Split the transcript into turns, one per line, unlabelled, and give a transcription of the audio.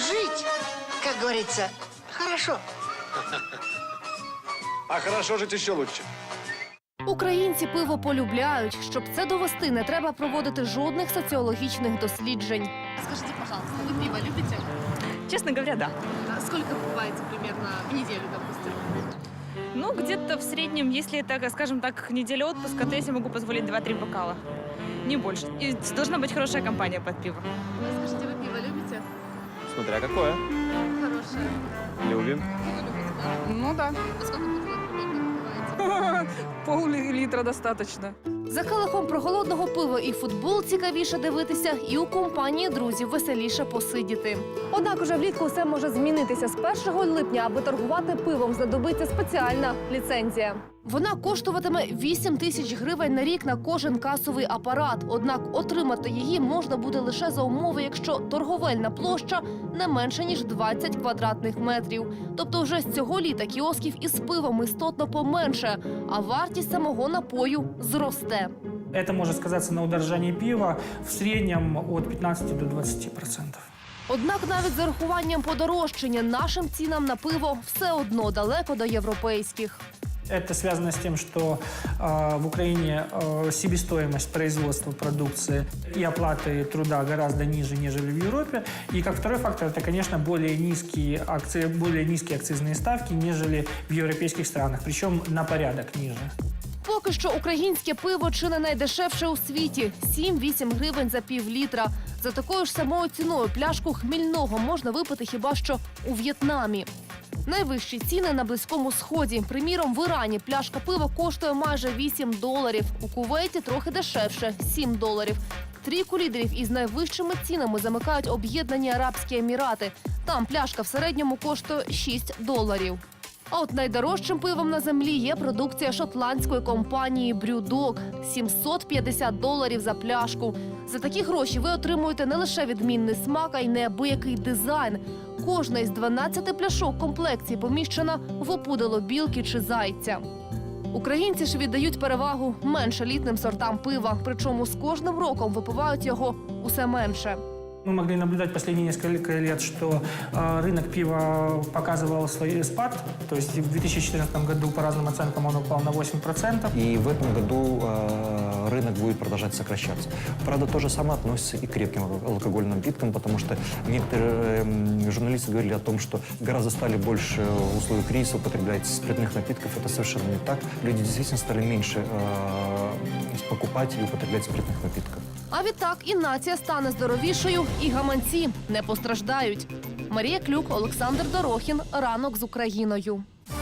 жить, как говорится, хорошо.
А хорошо жить еще лучше.
Українці пиво полюбляють. Щоб це довести, не треба проводити жодних соціологічних досліджень.
Скажите, пожалуйста, вы пиво любите?
Честно говоря, да.
А сколько покупаете примерно в неделю, допустим?
Ну, где-то в среднем, если это, скажем так, неделя отпуска, то я себе могу позволить 2-3 бокала. Не больше. И должна быть хорошая компания под пиво.
Вы скажите, вы пиво любите?
Смотря какое.
Хорошее.
Любим.
Пиво любите, да?
Ну да.
А сколько бутылок примерно покупаете?
Пол-литра достаточно.
За келихом проголодного пива і футбол цікавіше дивитися, і у компанії друзів веселіше посидіти. Однак уже влітку все може змінитися. З 1 липня, аби торгувати пивом, знадобиться спеціальна ліцензія. Вона коштуватиме 8 тисяч гривень на рік на кожен касовий апарат. Однак отримати її можна буде лише за умови, якщо торговельна площа не менше, ніж 20 квадратних метрів. Тобто вже з цього літа кіосків із пивом істотно поменше, а вартість самого напою зросте.
Это может сказаться на удорожании пива в среднем от 15 до 20%.
Однак навіть з урахуванням подорожчання нашим цінам на пиво все одно далеко до європейських.
Это связано с тем, что в Украине себестоимость производства продукции и оплаты труда гораздо ниже, нежели в Европе. И как второй фактор, это, конечно, более низкие акцизные ставки, нежели в европейских странах, причем на порядок ниже.
Поки що українське пиво чи не найдешевше у світі – 7-8 гривень за пів-літра. За такою ж самою ціною пляшку хмільного можна випити хіба що у В'єтнамі. Найвищі ціни на Близькому Сході. Приміром, в Ірані пляшка пива коштує майже $8. У Кувейті трохи дешевше – $7. Трійку лідерів із найвищими цінами замикають Об'єднані Арабські Емірати. Там пляшка в середньому коштує $6. А от найдорожчим пивом на землі є продукція шотландської компанії BrewDog – $750 за пляшку. За такі гроші ви отримуєте не лише відмінний смак, а й неабиякий дизайн. Кожна із 12 пляшок комплекції поміщена в опудало білки чи зайця. Українці ж віддають перевагу менш елітним сортам пива, причому з кожним роком випивають його усе менше.
Мы могли наблюдать последние несколько лет, что рынок пива показывал свой спад. То есть в 2014 году, по разным оценкам, он упал на 8%.
И в этом году рынок будет продолжать сокращаться. Правда, то же самое относится и к крепким алкогольным напиткам, потому что некоторые журналисты говорили о том, что гораздо стали больше в условиях кризиса употреблять спиртных напитков. Это совершенно не так. Люди действительно стали меньше покупать и употреблять спиртных напитков.
А відтак і нація стане здоровішою, і гаманці не постраждають. Марія Клюк, Олександр Дорохін. Ранок з Україною.